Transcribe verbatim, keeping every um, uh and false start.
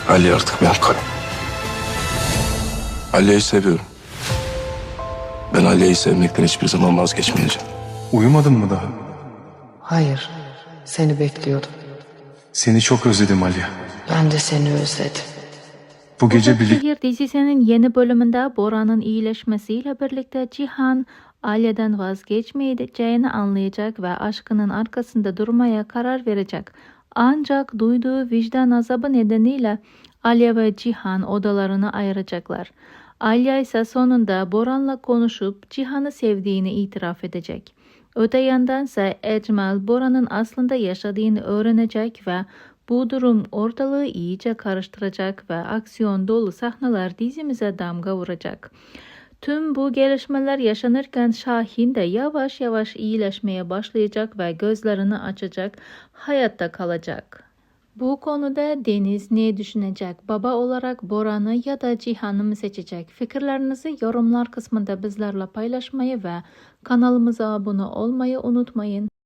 Ali artık benim karım. Aliye'yi seviyorum. Ben Aliye'yi sevmekten hiçbir zaman vazgeçmeyeceğim. Uyumadın mı daha? Hayır, seni bekliyordum. Seni çok özledim Ali. Ben de seni özledim. Bu gece Uzak birlikte... Şehir dizisinin yeni bölümünde Boran'ın iyileşmesiyle birlikte Cihan, Alya'dan vazgeçmeyeceğini anlayacak ve aşkının arkasında durmaya karar verecek. Ancak duyduğu vicdan azabı nedeniyle Alya ve Cihan odalarını ayıracaklar. Alya ise sonunda Boran'la konuşup Cihan'ı sevdiğini itiraf edecek. Öte yandan ise Ecmal Boran'ın aslında yaşadığını öğrenecek ve bu durum ortalığı iyice karıştıracak ve aksiyon dolu sahneler dizimize damga vuracak. Tüm bu gelişmeler yaşanırken Şahin de yavaş yavaş iyileşmeye başlayacak ve gözlerini açacak, hayatta kalacak. Bu konuda Deniz ne düşünecek? Baba olarak Boran'ı ya da Cihan'ı mı seçecek? Fikirlerinizi yorumlar kısmında bizlerle paylaşmayı ve kanalımıza abone olmayı unutmayın.